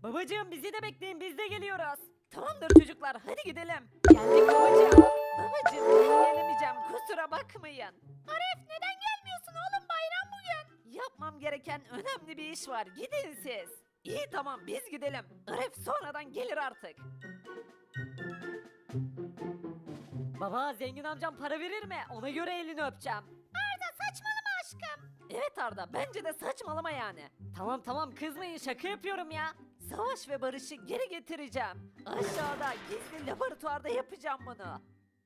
Babacığım bizi de bekleyin, biz de geliyoruz. Tamamdır çocuklar, hadi gidelim. Geldik babacığım. Babacığım ben gelemeyeceğim, kusura bakmayın. Aref neden gelmiyorsun oğlum, bayram bugün? Yapmam gereken önemli bir iş var, gidin siz. İyi tamam biz gidelim. Aref sonradan gelir artık. Baba zengin amcam para verir mi? Ona göre elini öpeceğim. Arda saçmalama aşkım. Evet Arda bence de saçmalama yani. Tamam tamam kızmayın şaka yapıyorum ya. Savaş ve barışı geri getireceğim. Aşağıda gizli laboratuvarda yapacağım bunu.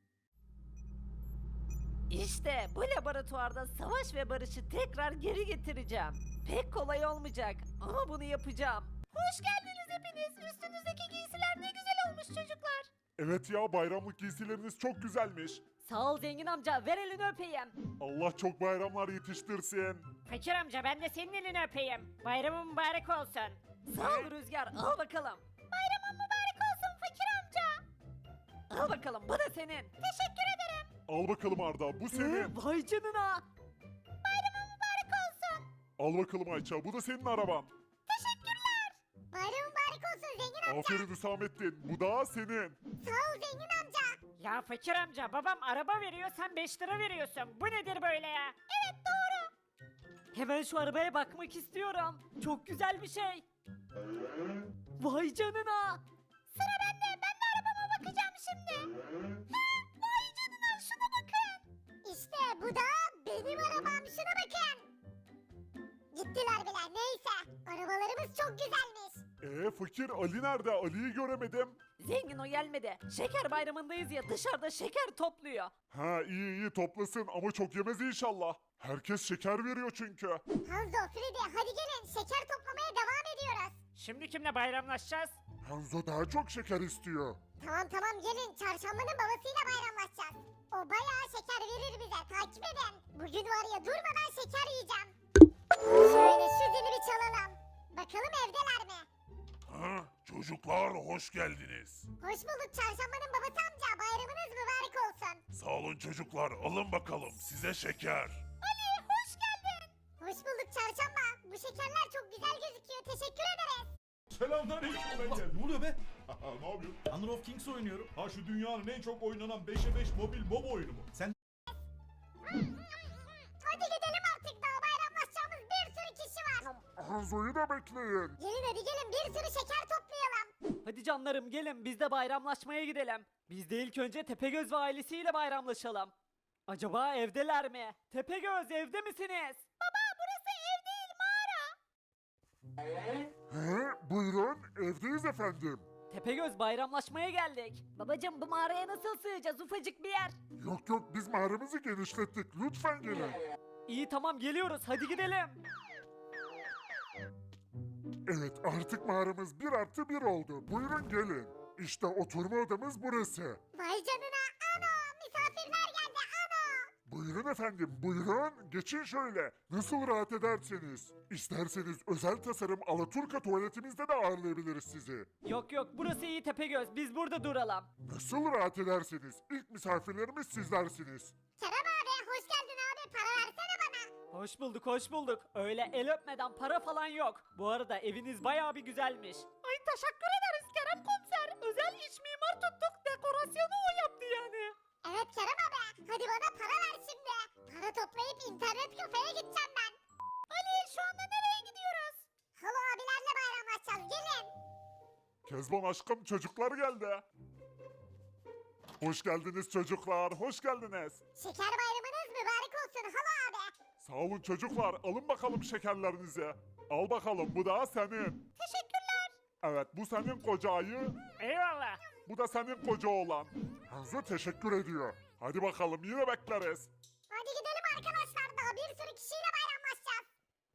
İşte bu laboratuvarda savaş ve barışı tekrar geri getireceğim. Pek kolay olmayacak ama bunu yapacağım. Hoş geldiniz hepiniz. Üstünüzdeki giysiler ne güzel olmuş çocuklar. Evet ya, bayramlık giysileriniz çok güzelmiş. Sağ ol zengin amca, ver elini öpeyim. Allah çok bayramlar yetiştirsin. Fakir amca ben de senin elini öpeyim. Bayramın mübarek olsun. Sağ ol Rüzgar, al bakalım. Bayramın mübarek olsun fakir amca. Al bakalım, bu da senin. Teşekkür ederim. Al bakalım Arda, bu senin. Vay canına. Bayramın mübarek olsun. Al bakalım Ayça, bu da senin araban. Teşekkürler. Bayram mübarek olsun zengin amca. Aferin Hüsamettin, bu da senin. Sağ ol zengin amca. Ya fakir amca babam araba veriyor sen 5 lira veriyorsun. Bu nedir böyle ya? Evet doğru. Hemen şu arabaya bakmak istiyorum. Çok güzel bir şey. Vay canına. Sıra bende. Ben de arabama bakacağım şimdi. Vay canına şuna bakın. İşte bu da benim arabam. Şuna bakın. Gittiler bile. Neyse. Arabalarımız çok güzelmiş. Fakir Ali nerede? Ali'yi göremedim. Zengin o gelmedi. Şeker bayramındayız ya dışarıda şeker topluyor. Ha iyi iyi toplasın ama çok yemez inşallah. Herkes şeker veriyor çünkü. Hanzo, Freddy hadi gelin. Şeker toplamaya devam ediyoruz. Şimdi kimle bayramlaşacağız? Hanzo daha çok şeker istiyor. Tamam gelin. Çarşambanın babasıyla bayramlaşacağız. O bayağı şeker verir bize. Takip edin. Bugün var ya durmadan şeker yiyeceğim. Şöyle şu zili bir çalalım. Bakalım evdeler mi? Ha, çocuklar hoş geldiniz. Hoş bulduk çarşambanın babası amca. Bayramınız mübarek olsun. Sağ olun çocuklar, alın bakalım size şeker. Ali hoş geldin. Hoş bulduk çarşamba. Bu şekerler çok güzel gözüküyor. Teşekkür ederiz. Selamünaleyküm ben geldim. Ne oluyor be? Ne yapıyorsun? Honor of Kings oynuyorum. Ha şu dünyanın en çok oynanan 5'e 5 mobil MOBA oyunu mu? Sen Hadi gidelim artık daha bayramlaşacağımız bir sürü kişi var. Hanzo'yu da bekleyin. Gelin hadi gelin bir sürü şeker toplayalım. Hadi canlarım gelin biz de bayramlaşmaya gidelim. Biz de ilk önce Tepegöz ve ailesiyle bayramlaşalım. Acaba evdeler mi? Tepegöz evde misiniz? Baba burası ev değil mağara. He, buyurun evdeyiz efendim. Tepegöz bayramlaşmaya geldik. Babacım bu mağaraya nasıl sığacağız ufacık bir yer. Yok yok biz mağaramızı genişlettik lütfen gelin. İyi tamam geliyoruz hadi gidelim. Evet artık mağaramız 1+1 oldu. Buyurun gelin. İşte oturma odamız burası. Vay canına ana misafirler geldi ana. Buyurun efendim buyurun. Geçin şöyle. Nasıl rahat ederseniz. İsterseniz özel tasarım Alaturka tuvaletimizde de ağırlayabiliriz sizi. Yok yok burası iyi Tepegöz biz burada duralım. Nasıl rahat ederseniz. İlk misafirlerimiz sizlersiniz. Kerem abi hoş geldin abi para versene bana. Hoş bulduk hoş bulduk. Öyle el öpmeden para falan yok. Bu arada eviniz bayağı bir güzelmiş. Ay teşekkür ederiz Kerem komiser. Özel iç mimar tuttuk. Dekorasyonu o yaptı yani. Evet Kerem abi hadi bana para ver şimdi. Para toplayıp internet kafeye gideceğim ben. Ali şu anda nereye gidiyoruz? Halo abilerle bayramlaşacağız gelin. Kezban aşkım çocuklar geldi. Hoş geldiniz çocuklar, hoş geldiniz. Şeker bayramınız mübarek olsun halo abi. Sağ olun çocuklar, alın bakalım şekerlerinizi. Al bakalım, bu da senin. Teşekkürler. Evet, bu senin koca ayı, Eyvallah. bu da senin koca oğlan. Hanzo teşekkür ediyor. Hadi bakalım, yine bekleriz. Hadi gidelim arkadaşlar daha bir sürü kişiyle bayramlaşacağız.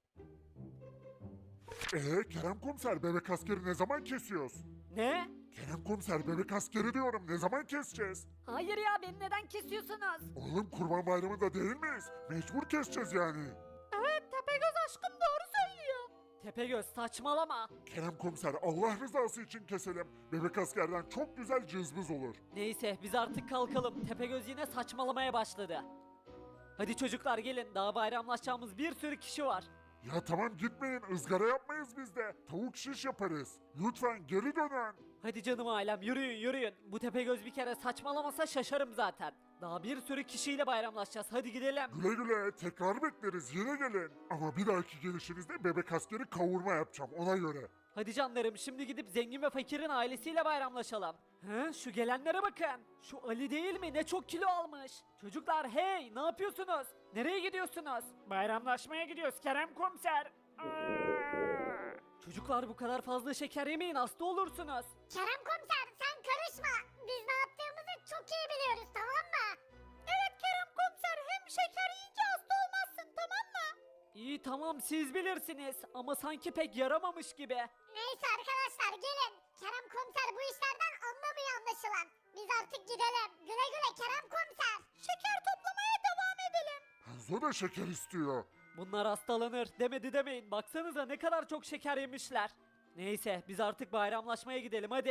Kerem komiser, bebek askeri ne zaman kesiyoruz? Ne? Kerem komiser, bebek askeri diyorum, ne zaman keseceğiz? Hayır ya beni neden kesiyorsunuz? Oğlum kurban bayramında değil miyiz? Mecbur keseceğiz yani. Evet Tepegöz aşkım doğru söylüyor. Tepegöz saçmalama. Kerem komiser, Allah rızası için keselim. Bebek askerden çok güzel cızbız olur. Neyse biz artık kalkalım. Tepegöz yine saçmalamaya başladı. Hadi çocuklar gelin daha bayramlaşacağımız bir sürü kişi var. Ya tamam gitmeyin, ızgara yapmayız biz de. Tavuk şiş yaparız. Lütfen geri dönün. Hadi canım ailem yürüyün yürüyün. Bu Tepegöz bir kere saçmalamasa şaşarım zaten. Daha bir sürü kişiyle bayramlaşacağız. Hadi gidelim. Güle güle, tekrar bekleriz, yine gelin. Ama bir dahaki gelişinizde bebek askeri kavurma yapacağım, ona göre. Hadi canlarım şimdi gidip zengin ve fakirin ailesiyle bayramlaşalım. He, şu gelenlere bakın. Şu Ali değil mi? Ne çok kilo almış. Çocuklar hey ne yapıyorsunuz? Nereye gidiyorsunuz? Bayramlaşmaya gidiyoruz Kerem komiser. Çocuklar bu kadar fazla şeker yemeyin hasta olursunuz. Kerem komiser sen karışma. Biz ne yaptığımızı çok iyi biliyoruz tamam mı? Evet Kerem komiser hem şeker yiyince hasta olmazsın tamam mı? İyi tamam siz bilirsiniz ama sanki pek yaramamış gibi. Neyse arkadaşlar gelin. Kerem komiser bu işlerden anlamıyor anlaşılan. Biz artık gidelim. Güle güle Kerem komiser. Şeker toplamaya devam edelim. Hanzo da şeker istiyor. Bunlar hastalanır demedi demeyin. Baksanıza ne kadar çok şeker yemişler. Neyse biz artık bayramlaşmaya gidelim hadi.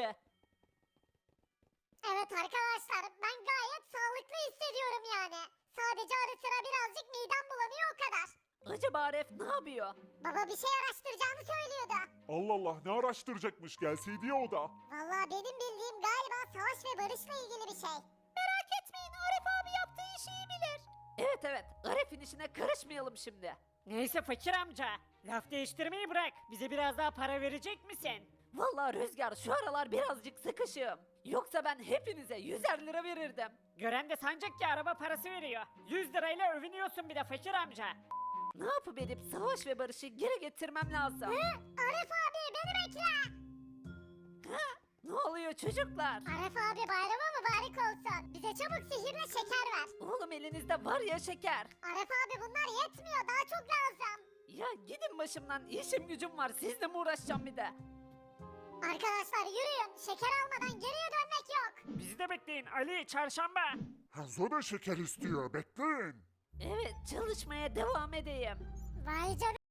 Evet arkadaşlar ben gayet sağlıklı hissediyorum yani. Sadece ara sıra birazcık midem bulanıyor o kadar. Acaba Aref ne yapıyor? Baba bir şey araştıracağını söylüyordu. Allah Allah, ne araştıracakmış, gelseydi ya o da. Vallahi benim bildiğim galiba savaş ve barışla ilgili bir şey. Merak etmeyin Arif abi yaptığı işi iyi bilir. Evet evet Aref'in işine karışmayalım şimdi. Neyse fakir amca. Laf değiştirmeyi bırak. Bize biraz daha para verecek misin? Vallahi Rüzgar şu aralar birazcık sıkışığım. Yoksa ben hepinize 100'er lira verirdim. Gören de sancak ki araba parası veriyor. 100 lirayla övünüyorsun bir de fakir amca. Ne yapıp edip savaş ve barışı geri getirmem lazım. Arif abi beni bekle. Ne oluyor çocuklar? Arif abi bayramı mübarek olsun. Bize çabuk sihirle şeker ver. Oğlum elinizde var ya şeker. Arif abi bunlar yetmiyor daha çok lazım. Ya gidin başımdan işim gücüm var sizle mi uğraşacağım bir de? Arkadaşlar yürüyün şeker almadan geriye dönmek yok. Bizi de bekleyin Ali çarşamba. Hanzo da şeker istiyor, bekleyin. Evet çalışmaya devam edeyim. Vay canına